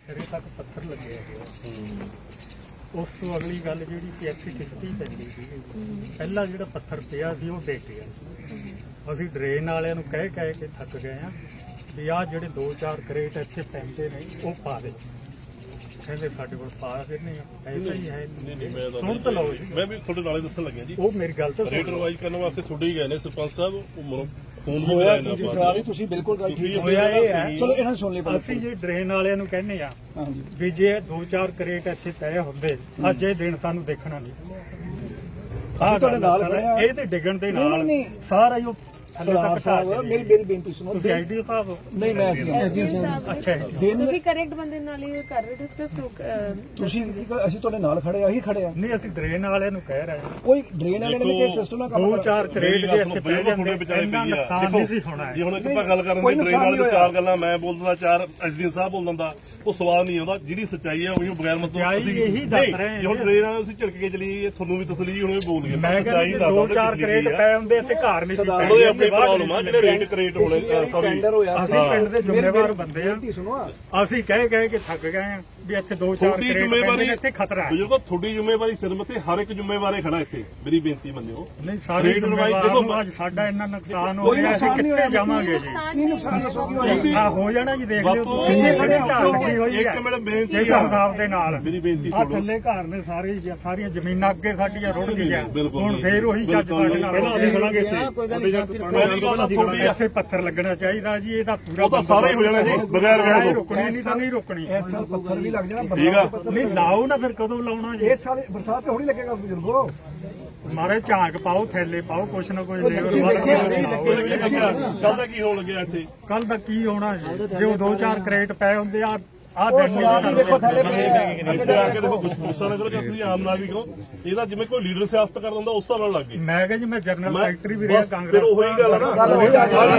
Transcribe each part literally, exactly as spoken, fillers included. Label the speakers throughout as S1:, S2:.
S1: ਸਿਰੇ ਤੱਕ ਪੱਥਰ ਲੱਗੇ ਹੈਗੇ। ਉਸ ਤੋਂ ਅਗਲੀ ਗੱਲ ਜਿਹੜੀ ਕਿ ਇੱਥੇ ਕਿਸ਼ਤੀ ਪੈਂਦੀ ਸੀ, ਪਹਿਲਾਂ ਜਿਹੜਾ ਪੱਥਰ ਪਿਆ ਸੀ ਉਹ ਡਿੱਗ ਗਿਆ। ਅਸੀਂ ਡਰੇਨ ਵਾਲਿਆਂ ਨੂੰ ਕਹਿ ਕਹਿ ਕੇ ਥੱਕ ਗਏ ਆ ਵੀ ਆਹ ਜਿਹੜੇ ਦੋ ਚਾਰ ਕਰੇਟ ਇੱਥੇ ਪੈਂਦੇ ਨੇ ਉਹ ਪਾ ਦੇ। ਕਹਿੰਦੇ ਸਾਡੇ ਕੋਲ ਪਾ ਕੇ ਨਹੀਂ ਐਸਾ ਹੀ ਹੈ। ਸੁਣ ਤਾਂ ਲਓ ਜੀ,
S2: ਮੈਂ ਵੀ ਤੁਹਾਡੇ ਨਾਲੇ ਦੱਸਣ ਲੱਗਿਆ ਜੀ।
S1: ਉਹ ਮੇਰੀ ਗੱਲ ਤਾਂ
S2: ਰੇਟ ਰਿਵਾਈਜ਼ ਕਰਨ ਵਾਸਤੇ ਤੁਹਾਡੇ ਹੀ ਗਏ ਨੇ ਸਰਪੰਚ ਸਾਹਿਬ। ਉਹ ਫੋਨ ਵੀ
S3: ਹੋਇਆ
S2: ਕਰਾਇਆ
S3: ਤੁਸੀਂ ਸਾਰੀ ਤੁਸੀਂ ਬਿਲਕੁਲ ਗੱਲ ਠੀਕ
S1: ਹੋਇਆ ਇਹ ਹੈ।
S3: ਚਲੋ ਇਹਨਾਂ ਨੂੰ ਸੁਣ ਲਈ ਪਹਿਲਾਂ।
S1: ਅਸੀਂ ਜੇ ਡਰੇਨ ਵਾਲਿਆਂ ਨੂੰ ਕਹਿੰਦੇ ਆ
S3: ਹਾਂਜੀ
S1: ਵੀ ਜੇ ਦੋ ਚਾਰ ਕਰੇਟ ਇੱਥੇ ਪਏ ਹੁੰਦੇ ਅੱਜ ਇਹ ਦਿਨ ਸਾਨੂੰ ਦੇਖਣਾ ਨਹੀਂ।
S3: ਅਸੀਂ ਤੁਹਾਡੇ ਨਾਲ ਖੜੇ ਆ।
S1: ਇਹ ਤੇ ਡਿੱਗਣ ਦੇ ਨਾਲ
S3: ਨਹੀਂ, ਨਹੀਂ।
S1: ਸਾਰਾ ਹੀ ਉਹ
S3: ਸਰਦਾਰ ਸਾਹਿਬ ਮੇਰੀ ਮੇਰੀ ਬੇਨਤੀ ਸੁਣੋ।
S1: ਤੁਸੀਂ ਆਈਡੀ ਸਾਹਿਬ
S3: ਨਹੀਂ ਮੈਂ ਐਸਡੀਐਮ ਸਾਹਿਬ।
S1: ਅੱਛਾ
S3: ਦਿਨ
S4: ਤੁਸੀਂ ਕਰੈਕਟ ਬੰਦੇ ਨਾਲ ਹੀ ਕਰ ਰਹੇ ਡਿਸਕਸ।
S3: ਤੁਸੀਂ ਅਸੀਂ ਤੁਹਾਡੇ ਨਾਲ ਖੜੇ ਆ, ਅਸੀਂ ਖੜੇ ਆ।
S1: ਨਹੀਂ ਅਸੀਂ ਡਰੇਨ ਵਾਲਿਆਂ ਨੂੰ ਕਹਿ ਰਹੇ ਹਾਂ
S3: ਕੋਈ ਡਰੇਨ ਵਾਲੇ ਨੇ ਕਿ ਸਿਸਟਮ ਨਾਲ ਕੰਮ
S1: ਦੋ ਚਾਰ ਕਰੇਟ ਜੇ ਇੱਥੇ ਪੈ ਜਾਂਦੇ
S2: ਵਿਚਾਰੇ
S1: ਇੰਨਾ
S2: ਪਈ ਆ।
S1: ਨੁਕਸਾਨ ਨਹੀਂ ਸੀ ਹੋਣਾ।
S2: ਜੇ ਹੁਣ ਆਪਾਂ ਗੱਲ ਕਰਨ ਦੀ ਟ੍ਰੇਨ ਵਾਲੇ ਚਾਰ ਗੱਲਾਂ ਮੈਂ ਬੋਲਦਾ, ਚਾਰ ਐਸਡੀਐਮ ਸਾਹਿਬ ਬੋਲ ਦਿੰਦਾ, ਉਹ ਸਵਾਲ ਨਹੀਂ ਆਉਂਦਾ। ਜਿਹੜੀ ਸੱਚਾਈ ਹੈ ਉਹੀ ਬਗੈਰ ਮਤਲਬ
S1: ਅਸੀਂ ਇਹੀ ਦੱਸ ਰਹੇ ਹਾਂ।
S2: ਜੇ ਹੁਣ ਟ੍ਰੇਨ ਵਾਲੇ ਤੁਸੀਂ ਝਟਕ ਕੇ ਚਲੀ, ਤੁਹਾਨੂੰ ਵੀ ਤਸਲੀ ਹੁਣ ਵੀ ਬੋਲ ਗਏ।
S1: ਮੈਂ ਕਹਿੰਦਾ ਦੋ ਚਾਰ ਕਰੇਟ ਪਏ ਹੁੰਦੇ ਇੱਥੇ ਘਰ ਨਹੀਂ ਸੀ
S2: ਉਹਦੇ
S1: ਪੈਂਦੇ।
S2: ਆਪਣੀ ਪ੍ਰੋਬਲਮ ਆ ਜਿਹੜੇ ਰੇਟ ਕਰੇਟ ਹੋਣੇ। ਸੌਰੀ
S3: ਟੈਂਡਰ ਹੋਇਆ
S1: ਅਸੀਂ ਪਿੰਡ ਦੇ ਜ਼ਿੰਮੇਵਾਰ ਬੰਦੇ ਆ।
S3: ਬੇਨਤੀ ਸੁਣੋ।
S1: ਅਸੀਂ ਕਹਿ ਕਹਿ ਕੇ ਥੱਕ ਗਏ ਆ ਵੀ ਇੱਥੇ ਦੋ ਚਾਰ
S2: ਤੁਹਾਡੀ
S1: ਕਰੇਟ
S2: ਜ਼ਿੰਮੇਵਾਰੀ
S1: ਪੈਂਦੇ ਇੱਥੇ ਖਤਰਾ ਹੈ।
S2: ਬਜ਼ੁਰਗੋ ਤੁਹਾਡੀ ਜ਼ਿੰਮੇਵਾਰੀ ਸਿਰ ਮੱਥੇ ਹਰ ਇੱਕ ਜ਼ਿੰਮੇਵਾਰੇ ਖੜਾ ਇੱਥੇ। ਮੇਰੀ ਬੇਨਤੀ ਮੰਨਿਓ।
S1: ਨਹੀਂ ਸਾਰੀ ਜ਼ਿੰਮੇਵਾਰੀ ਅੱਜ ਸਾਡਾ ਇੰਨਾ ਨੁਕਸਾਨ ਹੋ ਰਿਹਾ ਅਸੀਂ ਕਿੱਥੇ ਜਾਵਾਂਗੇ ਜੀ।
S3: ਕੀ ਨੁਕਸਾਨ ਦੱਸੋ ਕੀ ਹੋਇਆ?
S1: ਆ ਹੋ ਜਾਣਾ ਜੀ ਦੇਖ ਲਿਓ
S2: ਬਾਪੂ
S1: ਕਿੰਨੇ ਖੜੇ ਲੱਗੀ ਹੋਈ
S2: ਇੱਕ
S1: ਹੈ
S2: ਮਿੰਟ ਬੇਨਤੀ
S1: ਇਸ ਹਿਸਾਬ ਦੇ ਨਾਲ।
S2: ਮੇਰੀ ਬੇਨਤੀ
S1: ਆ
S2: ਸੁਣੋ।
S1: ਥੱਲੇ ਘਰ ਨੇ ਸਾਰੇ ਸਾਰੀਆਂ ਜ਼ਮੀਨਾਂ ਅੱਗੇ ਸਾਡੀਆਂ ਰੁੜ ਗਈਆਂ।
S2: ਬਿਲਕੁਲ
S1: ਹੁਣ ਫੇਰ ਉਹੀ ਛੱਜ ਸਾਡੇ ਨਾਲ
S2: ਪਹਿਲਾਂ ਅਸੀਂ ਖੜਾਂਗੇ ਇੱਥੇ।
S1: ਇੱਥੇ ਪੱਥਰ ਲੱਗਣਾ ਚਾਹੀਦਾ ਜੀ। ਇਹਦਾ ਪੂਰਾ
S2: ਉਹ ਤਾਂ ਸਾਰਾ ਹੀ ਹੋ ਜਾਣਾ ਜੀ ਬਗੈਰ ਵਿਆਹ ਤੋਂ।
S1: ਰੁਕਣੀ ਨਹੀਂ ਤਾਂ ਨਹੀਂ ਰੁਕਣੀ।
S3: ਇਸ ਸਾਲ ਪੱਥਰ ਵੀ ਲੱਗ ਜਾਣਾ।
S2: ਠੀਕ ਆ।
S1: ਨਹੀਂ ਲਾਓ ਨਾ ਫਿਰ ਕਦੋਂ ਲਾਉਣਾ ਜੀ।
S3: ਇਸ ਸਾਲ ਬਰਸਾਤ ਤੇ ਹੋਣੀ ਲੱਗੇਗਾ ਬਜ਼ੁਰਗੋ।
S1: ਮਾਰੇ ਝਾਂਕ ਪਾਓ ਥੈਲੇ ਪਾਓ ਕੁਛ ਨਾ ਕੁਛ
S3: ਤੁਸੀਂ ਦੇਖਿਆ ਨਹੀਂ
S2: ਕੱਲ ਦਾ ਕੀ ਹੋਣ ਲੱਗਿਆ ਇੱਥੇ?
S1: ਕੱਲ ਦਾ ਕੀ ਹੋਣਾ ਜੀ ਜੇ ਉਹ ਦੋ ਚਾਰ ਕਰੇਟ ਪਏ ਹੁੰਦੇ ਆ ਆ
S3: ਉਹ ਸਵਾਲ ਹੀ ਦੇਖੋ ਥੱਲੇ ਪਏ ਆ।
S2: ਇੱਥੇ ਆ ਕੇ ਦੇਖੋ ਗੁੱਸਾ ਨਾ ਕਰੋ ਕਿ ਤੁਸੀਂ ਆਮ ਨਾਗਰਿਕ ਹੋ। ਇਹਦਾ ਜਿਵੇਂ ਕੋਈ ਲੀਡਰ ਸਿਆਸਤ ਕਰਦਾ ਹੁੰਦਾ ਉਸ ਹਿਸਾਬ ਨਾਲ ਲੱਗ ਗਏ।
S1: ਮੈਂ ਕਿਹਾ ਜੀ ਮੈਂ ਜਨਰਲ
S2: ਮੈਂ-
S1: ਸੈਕਟਰੀ ਵੀ ਰਿਹਾ
S2: ਬਸ
S1: ਕਾਂਗਰਸ
S2: ਫਿਰ ਉਹੀ ਗੱਲ ਆ ਨਾ।
S1: ਪਾਰਟੀ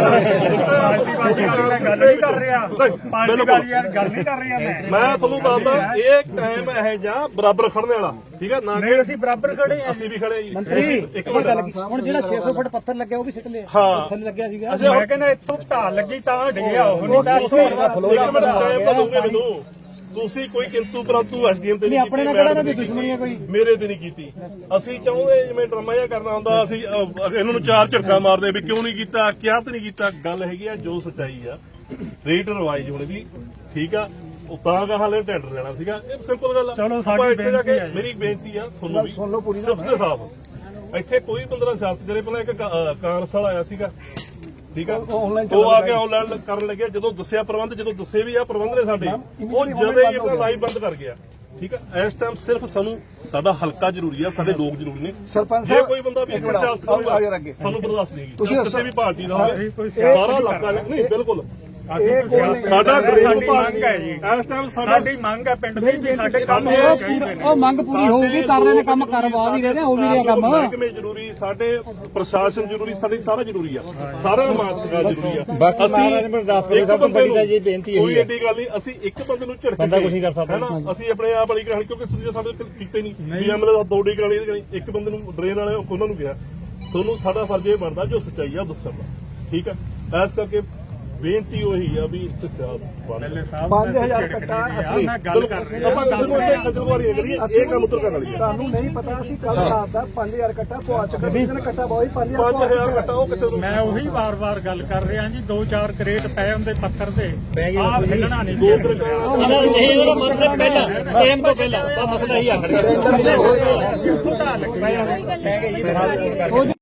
S1: ਵਾਲੀ ਗੱਲ ਨਹੀਂ ਕਰ ਰਿਹਾ। ਪਾਰਟੀ ਵਾਲੀ ਯਾਰ ਗੱਲ ਨਹੀਂ ਕਰ ਰਿਹਾ ਮੈਂ
S2: ਮੈਂ ਤੁਹਾਨੂੰ ਦੱਸਦਾ ਇਹ ਟਾਈਮ ਇਹ ਜਾਂ ਬਰਾਬਰ ਖੜਨੇ ਵਾਲਾ। ਠੀਕ ਹੈ ਨਾ ਕਿ
S1: ਨਹੀਂ ਅਸੀਂ ਬਰਾਬਰ ਖੜੇ ਆ।
S2: ਅਸੀਂ ਵੀ ਖੜੇ ਜੀ।
S3: ਮੰਤਰੀ
S2: ਇੱਕ ਮਿੰਟ
S3: ਹੁਣ ਜਿਹੜਾ ਛੇ ਸੌ ਫੁੱਟ ਪੱਥਰ ਲੱਗਿਆ ਉਹ ਵੀ ਸਿੱਟ ਲਿਆ।
S2: ਹਾਂ
S3: ਥੱਲੇ ਲੱਗਿਆ ਸੀਗਾ।
S1: ਮੈਂ ਕਹਿੰਦਾ ਇੱਥੋਂ ਢਾਲ ਲੱਗੀ ਤਾਂ ਡਿੱਗਿਆ ਉਹ ਨਹੀਂ ਤਾਂ
S2: ਤੁਸੀਂ ਇੱਕ ਮਿੰਟ ਟਾਈਮ ਤਾਂ ਦੋਗੇ ਮੈਨੂੰ। ਤੁਸੀਂ ਕੋਈ ਕਿੰਤੂ ਪਰੰਤੂ ਐਸਡੀਐਮ ਤੇ ਨਹੀਂ ਕੀਤੀ।
S3: ਆਪਣੇ ਨਾਲ ਕਿਹੜਾ ਨਾ ਦੁਸ਼ਮਣੀ ਹੈ ਕੋਈ।
S2: ਮੇਰੇ ਤੇ ਨਹੀਂ ਕੀਤੀ। ਅਸੀਂ ਚਾਹੁੰਦੇ ਜਿਵੇਂ ਡਰਾਮਾ ਜਿਹਾ ਕਰਨਾ ਹੁੰਦਾ ਅਸੀਂ ਅਹ, ਇਹਨਾਂ ਨੂੰ ਚਾਰ ਝਟਕਾ ਮਾਰਦੇ ਵੀ ਕਿਉਂ ਨਹੀਂ ਕੀਤਾ, ਕਿਹਾ ਤੇ ਨਹੀਂ ਕੀਤਾ। ਗੱਲ ਹੈਗੀ ਆ ਜੋ ਸੱਚਾਈ ਆ। ਰੇਟ ਰਿਵਾਈਜ਼ ਹੋਣੀ ਦੀ ਠੀਕ ਆ। ਉਹ ਤਾਂ ਗਾ ਹਾਲੇ ਟੈਂਡਰ ਲੈਣਾ ਸੀਗਾ। ਇਹ ਸਿੰਪਲ ਗੱਲ ਆ।
S1: ਚਲੋ ਸਾਡੀ
S2: ਆਪਾਂ ਇੱਥੇ ਜਾ ਕੇ
S1: ਬੇਨਤੀ ਆ ਜੀ।
S2: ਮੇਰੀ ਬੇਨਤੀ ਆ ਤੁਹਾਨੂੰ ਵੀ
S3: ਸੁਣ ਲਓ ਪੂਰੀ ਨਾ।
S2: ਸਿਰਫ ਤੇ ਸਾਫ ਇੱਥੇ ਕੋਈ ਬੰਦਾ ਸਿਆਸਤ ਕਰੇ। ਪਹਿਲਾਂ ਇੱਕ ਕਾ- ਕਾਂਗਰਸ ਵਾਲਾ ਆਇਆ ਸੀਗਾ। ਠੀਕ ਆ।
S3: ਆਨਲਾਈਨ
S2: ਉਹ ਆ ਕੇ ਆਨਲਾਈਨ ਕਰਨ ਲੱਗਿਆ। ਜਦੋਂ ਦੱਸਿਆ ਪ੍ਰਬੰਧ, ਜਦੋਂ ਦੱਸੇ ਵੀ ਆ ਪ੍ਰਬੰਧ ਨੇ ਸਾਡੇ, ਉਹ ਜਦੇ ਹੀ ਆਪਣਾ ਲਾਈਵ ਬੰਦ ਕਰ ਗਿਆ। ਠੀਕ ਆ। ਇਸ ਟਾਈਮ ਸਿਰਫ ਸਾਨੂੰ ਸਾਡਾ ਹਲਕਾ ਜ਼ਰੂਰੀ ਆ, ਸਾਡੇ ਲੋਕ ਜ਼ਰੂਰੀ ਨੇ।
S3: ਸਰਪੰਚ
S2: ਜੇ
S3: ਸਾਹਿਬ
S2: ਕੋਈ ਬੰਦਾ ਵੀ
S3: ਇੱਕ ਮਿੰਟ
S2: ਸਿਆਸਤ
S3: ਆਓ
S2: ਕਰੂਗਾ
S3: ਯਾਰ ਅੱਗੇ।
S2: ਸਾਨੂੰ ਬਰਦਾਸ਼ਤ ਨਹੀਂ ਹੈਗੀ।
S3: ਤੁਸੀਂ
S2: ਕਿਸੇ ਵੀ ਪਾਰਟੀ ਦਾ ਹੋਵੇ
S1: ਕੋਈ
S2: ਸਾਰਾ ਇਲਾਕਾ ਨਹੀਂ। ਬਿਲਕੁਲ
S3: ਇਹ ਕੋਈ
S2: ਸਾਡਾ ਗਰੀਬ
S1: ਸਾਡੀ
S2: ਭਾਗ
S1: ਮੰਗ ਹੈ ਜੀ।
S2: ਇਸ ਟਾਈਮ ਸਾਡਾ
S1: ਸਾਡੀ ਮੰਗ ਹੈ ਪਿੰਡ ਦੀ ਵੀ ਸਾਡੇ ਕੰਮ ਹੋਣੇ ਚਾਹੀਦੇ ਨੇ।
S3: ਉਹ ਮੰਗ ਪੂਰੀ ਹੋਊਗੀ। ਕਰ ਰਹੇ ਨੇ ਕੰਮ, ਕਰਵਾ ਵੀ ਰਹੇ ਨੇ, ਹੋ ਵੀ ਰਿਹਾ ਕੰਮ।
S2: ਮਹਿਕਮੇ ਜ਼ਰੂਰੀ, ਸਾਡੇ ਪ੍ਰਸ਼ਾਸਨ ਜ਼ਰੂਰੀ, ਸਾਡੀ ਸਾਰਾ ਜ਼ਰੂਰੀ ਆ। ਸਾਰਾ ਮਾਸਕਾ ਜ਼ਰੂਰੀ ਆ। ਅਸੀਂ ਇੱਕ ਬੰਦੇ ਨੂੰ ਕੋਈ ਏਡੀ ਗੱਲ ਨਹੀਂ। ਅਸੀਂ ਇੱਕ ਬੰਦੇ ਨੂੰ ਝੜਕ ਬੰਦਾ ਕੁਝ ਨਹੀਂ ਕਰ ਸਕਦਾ ਹੈ ਨਾ। ਅਸੀਂ ਆਪਣੇ ਆਪ ਵਾਲੀ ਕਹਾਣੀ ਕਿਉਂਕਿ ਤੁਸੀਂ ਸਾਡੇ ਕੀਤੇ ਨਹੀਂ ਵੀ ਐਮਐਲਏ ਦਾ ਦੋ ਡੀ ਕਹਾਣੀ ਇੱਕ ਬੰਦੇ ਨੂੰ ਡਰੇਨ ਵਾਲੇ ਉਹਨਾਂ ਨੂੰ ਕਿਹਾ। ਤੁਹਾਨੂੰ ਸਾਡਾ ਫਰਜ਼ ਇਹ ਬਣਦਾ ਜੋ ਸੱਚਾਈ ਆ ਉਹ ਦੱਸਣ ਦਾ। ਠੀਕ ਆ। ਇਸ ਕਰਕੇ ਬੇਨਤੀ ਉਹੀ ਆ ਵੀ ਇੱਥੇ ਸਿਆਸਤ
S1: ਐਮਐਲਏ ਸਾਹਿਬ
S3: ਪੰਜ ਹਜ਼ਾਰ ਕੱਟਾ ਅਸੀਂ
S1: ਮੈਂ ਗੱਲ ਕਰ ਰਿਹਾ।
S2: ਆਪਾਂ ਗੱਲ ਕਰਦੇ ਖਜਲਵਾਰੀ ਕਰੀਏ। ਇਹ ਕੰਮ ਉਤਰ ਕਰਨ ਵਾਲੀ
S3: ਤੁਹਾਨੂੰ ਨਹੀਂ ਪਤਾ ਅਸੀਂ ਕੱਲ ਰਾਤ ਦਾ ਪੰਜ ਹਜ਼ਾਰ ਕੱਟਾ ਪਵਾ ਚੁੱਕੇ। ਕਿਸੇ ਨੇ ਕੱਟਾ ਬਹੁਤ ਪੰਜ ਹਜ਼ਾਰ
S2: ਪੰਜ ਹਜ਼ਾਰ ਕੱਟਾ ਉਹ ਕਿੱਥੇ ਤੋਂ
S1: ਮੈਂ ਉਹੀ ਵਾਰ-ਵਾਰ ਗੱਲ ਕਰ ਰਿਹਾ ਜੀ। ਦੋ ਚਾਰ ਕਰੇਟ ਪਏ ਹੁੰਦੇ ਪੱਥਰ ਦੇ ਆਹ ਹਿੱਲਣਾ ਨਹੀਂ।
S2: ਦੋ ਤਰ੍ਹਾਂ
S5: ਨਹੀਂ ਉਹਦਾ ਮਤਲਬ ਪਹਿਲਾਂ ਟਾਈਮ ਤੋਂ ਪਹਿਲਾਂ ਤਾਂ ਮਸਲਾ ਹੀ ਆਖਰ
S1: ਉੱਥੋਂ ਢਾਲ ਲੱਗੀ।
S4: ਕੋਈ ਗੱਲ ਨਹੀਂ।